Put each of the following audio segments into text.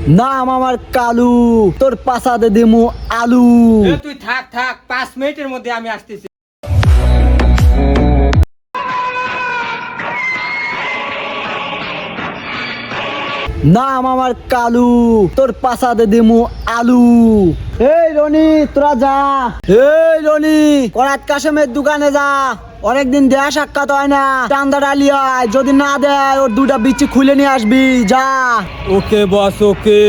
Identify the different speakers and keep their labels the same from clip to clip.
Speaker 1: নাম আমার কালু, তোর পাছাতে দিমু আলু।
Speaker 2: তুই থাক থাক, 5 মিনিটের মধ্যে আমি আসতেছি।
Speaker 1: নাম আমার কালু, তোর পাছাতে দিমু আলু। এই রনি তোরা যা, এই রনি করাত কাশেমের দোকানে যা, অনেকদিন দেয়া সাক্ষাৎ হয় না, চান্দা ডালিয়ায় যদি না দেয় ওর দুটা বিচি খুলে নিয়ে আসবি, যা।
Speaker 2: ওকে বস, ওকে।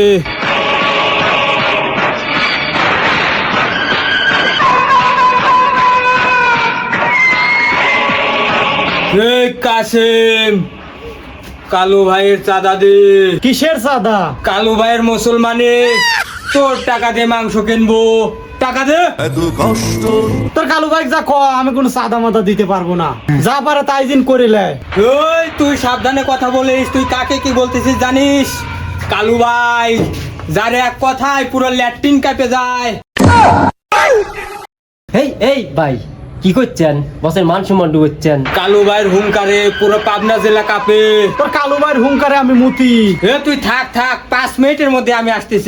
Speaker 2: এই কাসেম, কালু ভাইয়ের চাঁদা দে।
Speaker 1: কিসের চাঁদা?
Speaker 2: কালু ভাইয়ের মুসলমানে তোর টাকা দিয়ে মাংস কিনবো, টাকা দে।
Speaker 1: তোর কালু ভাই যা, আমি কোনো চাঁদা মাদা দিতে পারবো না, যা পারে তাই দিন করে লে।
Speaker 2: ওই তুই সাবধানে কথা বলিস, তুই কাকে কি বলতেছিস জানিস? কালু ভাই যারে এক কথায় পুরো ল্যাট্রিন কাঁপে যায়।
Speaker 3: এই এই ভাই কি করছেন? বসের মান সম্মান ডুবোচ্ছেন।
Speaker 2: কালু ভাইয়ের হুঙ্কারে পুরো পাবনা জেলা কাঁপে।
Speaker 1: তোর কালু ভাইয়ের হুঙ্কারে আমি মুতি।
Speaker 2: তুই থাক থাক, 5 মিনিটের মধ্যে আমি আসতেছি।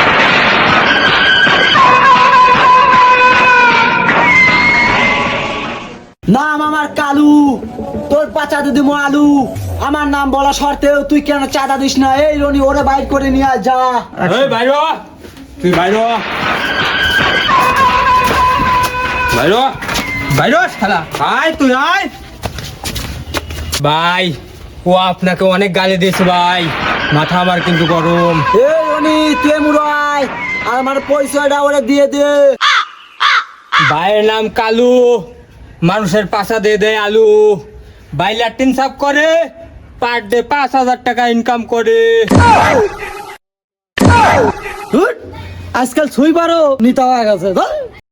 Speaker 1: নাম আমার কালু, তোর পাছাতে দিমু আলু। আমার নাম বলা শর্তেও তুই কেন চাঁদা দিস না? এই রনি ওরে বাইর করে নিয়ে আয়, যা।
Speaker 2: এই বাইর হ, তুই বাইর হ, বাইর হ, বাইর হ শালা। আয় তুই আয়। ভাই ও আপনাকে অনেক গালি দিয়েছে ভাই, মাথা আমার কিন্তু গরম।
Speaker 1: এই রনি তুই মুরাই, আর আমার পরিচয়টা ওরে দিয়ে দে।
Speaker 2: ভাইয়ের নাম কালু, মানুষের পাশা দিয়ে দেয় আলু। ভাই ল্যাট্রিন সাফ করে, পার ডে 5,000 টাকা ইনকাম করে।
Speaker 1: আজকাল ছুঁই পারো নিতে হয়ে গেছে।